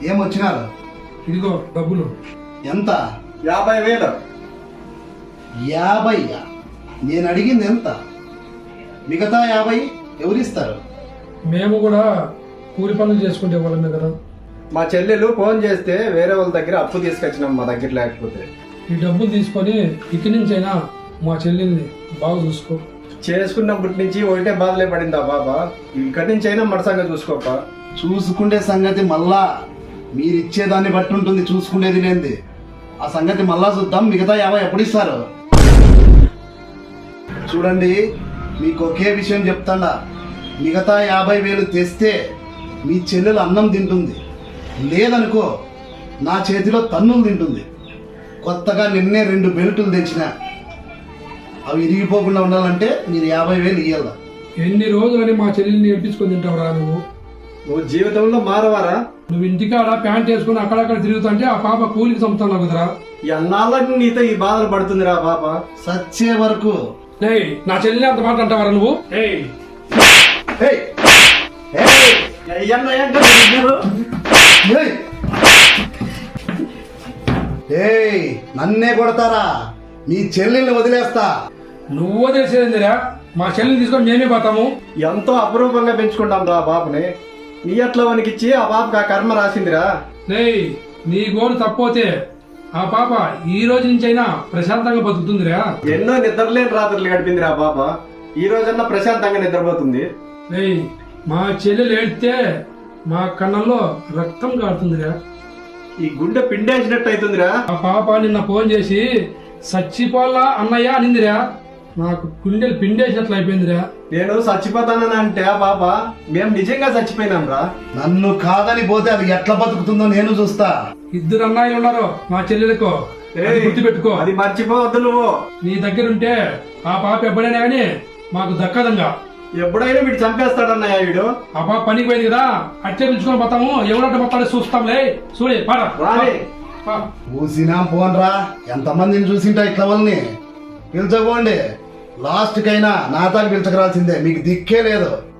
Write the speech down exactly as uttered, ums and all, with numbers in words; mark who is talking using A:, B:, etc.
A: ఏమొచ్చినారు?
B: ఇదిగో డబ్బులు.
A: ఎంత?
C: యాభై వేలు.
A: యాభై? నేను అడిగింది ఎంత? మిగతా యాభై ఎవరిస్తారు?
B: మేము కూడా కూలి పనులు చేసుకుంటే వాళ్ళమే కదా.
C: మా చెల్లెలు ఫోన్ చేస్తే వేరే వాళ్ళ దగ్గర అప్పు తీసుకొచ్చినాం, మా దగ్గర లేకపోతే.
B: ఈ డబ్బులు తీసుకొని ఇక్కడి నుంచి అయినా మా చెల్లెల్ని బాగా చూసుకో.
C: చేసుకున్నప్పటి నుంచి ఒకటే బాధలే పడిందా బాబా, ఇక్కడి నుంచి అయినా మరసంగా చూసుకోప.
A: చూసుకుండే సంగతి మళ్ళా మీరిచ్చేదాన్ని బట్టి ఉంటుంది, చూసుకునేది లేనిది. ఆ సంగతి మళ్ళా చూద్దాం. మిగతా యాభై ఎప్పుడు ఇస్తారు? చూడండి, మీకు ఒకే విషయం చెప్తాడా, మిగతా యాభై వేలు తెస్తే మీ చెల్లెలు అన్నం తింటుంది, లేదనుకో నా చేతిలో తన్నులు తింటుంది. కొత్తగా నిన్నే రెండు బెల్టులు తెచ్చిన, అవి ఇరిగిపోకుండా ఉండాలంటే మీరు యాభై వేలు ఇయ్యాల.
B: ఎన్ని రోజులని మా చెల్లెల్ని ఏడ్పించుకొని తింటావురా నువ్వు?
C: నువ్వు జీవితంలో మారవారా?
B: నువ్వు ఇంటికాడ ప్యాంట్ వేసుకుని అక్కడక్కడ తిరుగుతుంటే ఆ పాప కూలికి చంపుతాను కుదరా?
C: ఎన్నాళ్ళకి నీతో ఈ బాధలు పడుతుందిరా పాప.
A: సచ్చే వరకు.
B: ఏయ్, నా చెల్లెల్ని అంత మాట అంటావరా నువ్వు? ఏయ్
A: ఏయ్! ఏయ్! ఏయ్! ఏయ్! నన్నే కొడతారా? మీ చెల్లెల్ని వదిలేస్తా.
B: నువ్వు వదిలేసేదిరా? మా చెల్లెల్ని తీసుకొని మేమే పోతాము.
C: ఎంతో అపురూపంగా పెంచుకుంటాం రా బాబుని. నీ అట్లా వనికిచ్చి ఆ బాబుకి ఆ కర్మ రాసిందిరా.
B: ఏయ్, నీ గోడు తప్పోతే ఆ పాప ఈ రోజు నుంచి అయినా ప్రశాంతంగా బతుకుతుందిరా.
C: ఎన్నో నిద్రలేని రాత్రులు గడిపిందిరా పాప, ఈ రోజన్నా ప్రశాంతంగా నిద్రపోతుంది.
B: ఏయ్, మా చెల్లెలు ఏడితే మా కన్నంలో రక్తం కారుతుందిరా.
C: ఈ గుండె పిండేసినట్టు అవుతుందిరా.
B: ఆ పాప నిన్న ఫోన్ చేసి సచ్చిపోలా అన్నయ్య అనిందిరా. నాకు గుండెలు పిండేసినట్లు అయిపోయిందిరా.
C: నేను చచ్చిపోతానని అంటే ఆ పాప మేము నిజంగా చచ్చిపోయినాం రా.
A: నన్ను కాదని పోతే అది ఎట్లా బతుకుతుందో నేను చూస్తా.
B: ఇద్దరు అన్నయ్యలు ఉన్నారు మా చెల్లెలకు, అది గుర్తుపెట్టుకో.
C: అది మర్చిపోవద్దు నువ్వు.
B: నీ దగ్గర ఉంటే ఆ పాప ఎప్పుడైనా కానీ మాకు దక్కదంగా.
C: ఎప్పుడైనా వీడు చంపేస్తాడన్నయ్య వీడు.
B: ఆ పాప పనికి పోయింది కదా, అట్లే పిలుచుకొని పోతాము. ఎవరంటే పోతాడో చూస్తాంలే. చూడే పారా
C: రాని
A: చూసినా పోన్రా, ఎంతమందిని చూసింటా ఇట్లా వాళ్ళని. పిలిచకపోండి, లాస్ట్ కైనా నాతాకి పిలిచకరాల్సిందే, మీకు దిక్కే లేదు.